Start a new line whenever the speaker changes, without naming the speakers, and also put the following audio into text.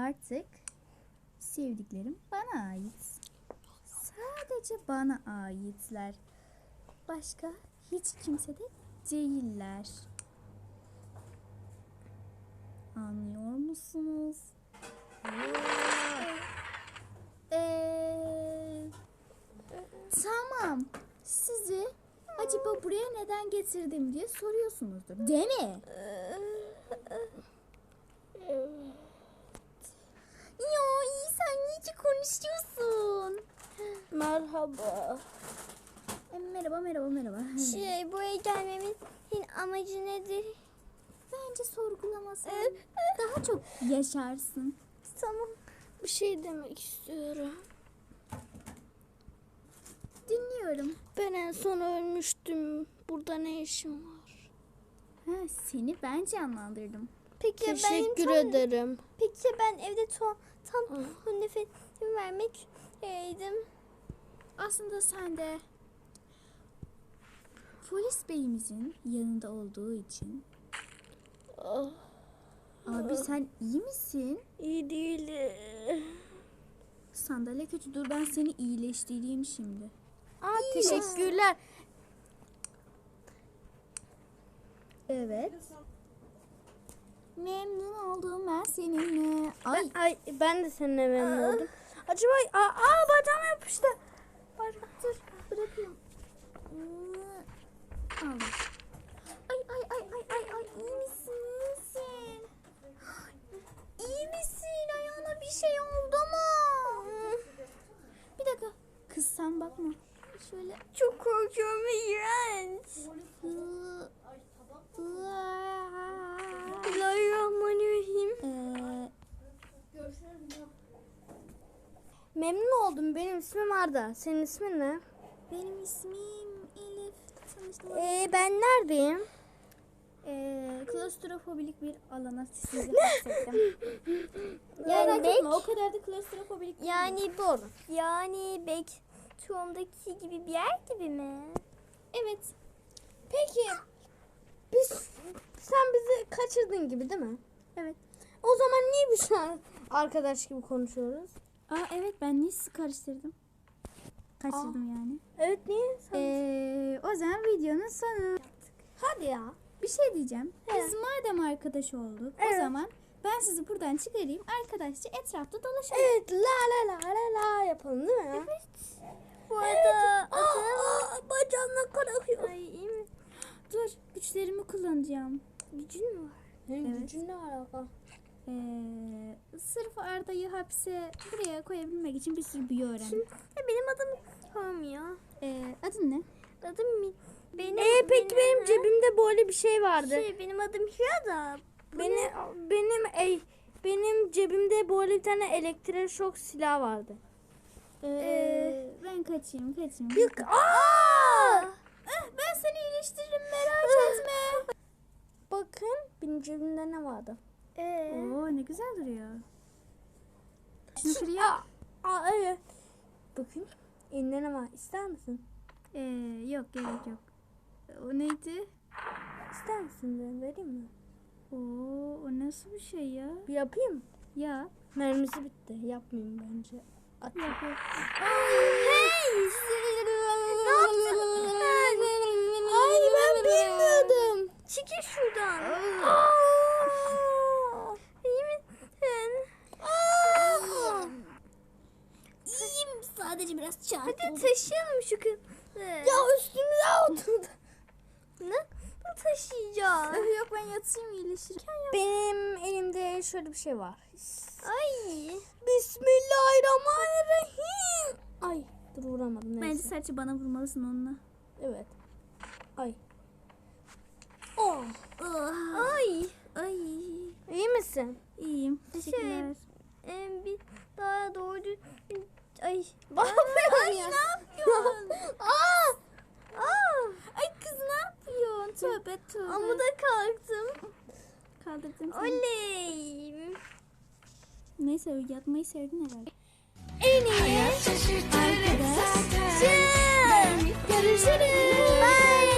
Artık sevdiklerim bana ait. Sadece bana aitler. Başka hiç kimse de değiller. Anlıyor musunuz? Tamam. Sizi acaba buraya neden getirdim diye soruyorsunuzdur. Değil mi? Ya iyi, sen niye konuşuyorsun?
Merhaba.
Merhaba.
Buraya gelmemin amacı nedir?
Bence sorgulamasan daha çok yaşarsın.
Tamam. Bir şey demek istiyorum.
Dinliyorum.
Ben en son ölmüştüm. Burada ne işim var?
Seni ben canlandırdım.
Peki teşekkür ederim. Peki ben evde tam nefesimi vermek üzereydim.
Aslında sen de polis beyimizin yanında olduğu için. Abi sen iyi misin?
İyi değilim.
Sandalye kötü, dur ben seni iyileştireyim şimdi.
Teşekkürler.
Evet. Memnun oldum ben seninle.
Ben de seninle memnun oldum. Acaba bacağıma yapıştı.
Dur bırakayım. Al. Ay iyi misin? İyi misin? Ayağına bir şey oldu mu? Bir dakika. Kız sen bakma. Şöyle.
Çok korkuyorum ve iğrenç. Bismillahirrahmanirrahim. Memnun oldum. Benim ismim Arda. Senin ismin ne?
Benim ismim Elif. Tanıştım.
Ben neredeyim?
Klostrofobilik bir alana sizi hapsettim. Merak etme, o kadar da klostrofobilik değil.
Yani doğru. Yani Backroom'daki gibi bir yer gibi mi?
Evet.
Peki. Sen bizi kaçırdın gibi değil mi?
Evet.
O zaman niye biz şu an arkadaş gibi konuşuyoruz?
Evet, ben niye sizi karıştırdım? Kaçırdım yani.
Evet, niye?
O zaman videonun sonu.
Hadi ya.
Bir şey diyeceğim. Biz madem arkadaş olduk, o zaman ben sizi buradan çıkarayım. Arkadaşça etrafta dolaşalım.
Evet, la yapalım değil mi? Evet.
Bu arada
bacağımla kanakıyor.
Ay iyi mi? Dur, güçlerimi kullanacağım.
Gücün mü var?
Evet.
Gücün ne alaka?
Sırf Arda'yı hapse buraya koyabilmek için bir sürü büyü öğrendim.
Benim adım Tom ya.
Adın ne?
Adım mi? Peki benim cebimde böyle bir şey vardı. Benim adım Hira da. Benim cebimde böyle bir tane elektrik şok silah vardı.
Ben kaçayım.
Yok.
Ben seni iyileştiririm, merak etme.
Bakın benim cebimde ne vardı?
Oo, ne güzel duruyor. Şunu kırıyor.
Evet. Bakın elinde ne var? İster misin?
Yok, gerek yok. O neydi?
İster misin de vereyim mi?
Oo, o nasıl bir şey ya?
Bir yapayım.
Ya.
Mermisi bitti. Yapmayayım bence.
Yap.
Hey! Ne yaptın? Ay ben bilmiyordum. Çekil şuradan. İyi misin?
İyiyim, sadece biraz çarpıldım.
Hadi taşıyalım şu kızı. Ya üstümüze oturdu. Ne taşıyacağız?
Yok, ben yatayım, iyileşirken yap.
Benim elimde şöyle bir şey var.
Ay.
Bismillahirrahmanirrahim. Ay dur vuramadım.
Bence
Neyse.
sadece bana vurmalısın onunla.
Evet. Ay.
Ay.
İyi misin?
İyiyim. Teşekkürler.
Bir daha doğru ay.
Ne yapıyorsun? Ay kız, ne yapıyorsun? Tövbe.
Amuda kalktım.
Kaldırdım seni.
Oley.
Neyse, yatmayı sevdin herhalde.
En iyi.
Arkadaş.
Görüşürüz. Bye.